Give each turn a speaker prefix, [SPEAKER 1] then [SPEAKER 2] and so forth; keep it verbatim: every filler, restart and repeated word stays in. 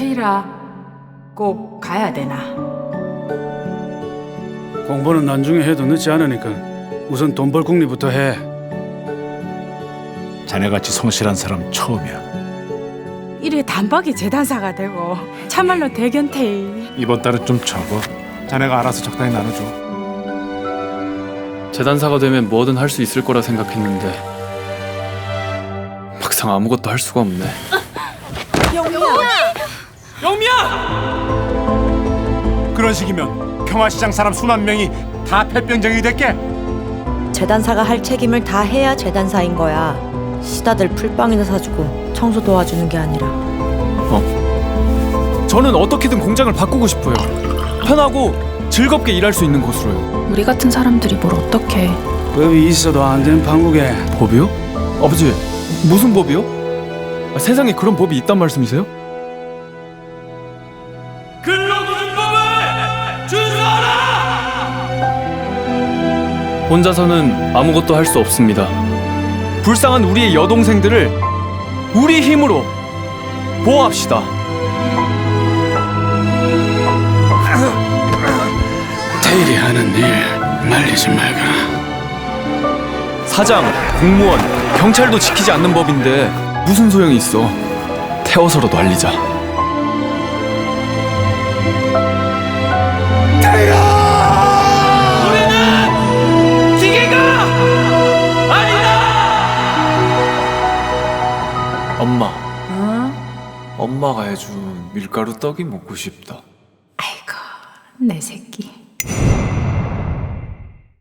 [SPEAKER 1] 태일아, 꼭 가야 되나?
[SPEAKER 2] 공부는 나중에 해도 늦지 않으니까 우선 돈 벌 궁리부터 해.
[SPEAKER 3] 자네같이 성실한 사람 처음이야.
[SPEAKER 1] 이래 단박에 재단사가 되고 참말로 대견태일.
[SPEAKER 3] 이번 달은 좀 적어. 자네가 알아서 적당히 나눠줘.
[SPEAKER 4] 재단사가 되면 뭐든 할 수 있을 거라 생각했는데 막상 아무것도 할 수가 없네.
[SPEAKER 3] 그런 식이면 평화시장 사람 수만 명이 다 폐병정이 됐게.
[SPEAKER 5] 재단사가 할 책임을 다 해야 재단사인 거야. 시다들 풀빵이나 사주고 청소 도와주는 게 아니라.
[SPEAKER 4] 저는 어떻게든 공장을 바꾸고 싶어요. 편하고 즐겁게 일할 수 있는 곳으로요.
[SPEAKER 6] 우리 같은 사람들이 뭘 어떻게?
[SPEAKER 2] 법이 있어도 안 되는 판국에
[SPEAKER 4] 법이요? 아버지, 무슨 법이요? 아, 세상에 그런 법이 있단 말씀이세요? 근로기준법을 준수하라! 혼자서는 아무것도 할 수 없습니다. 불쌍한 우리의 여동생들을 우리 힘으로 보호합시다.
[SPEAKER 2] 태일이 하는 일 말리지 말거라.
[SPEAKER 4] 사장, 공무원, 경찰도 지키지 않는 법인데 무슨 소용이 있어. 태워서라도 알리자. 우리는 기계가 아니다! 엄마,
[SPEAKER 1] 어?
[SPEAKER 4] 엄마가 해준 밀가루 떡이 먹고 싶다.
[SPEAKER 1] 아이고, 내 새끼.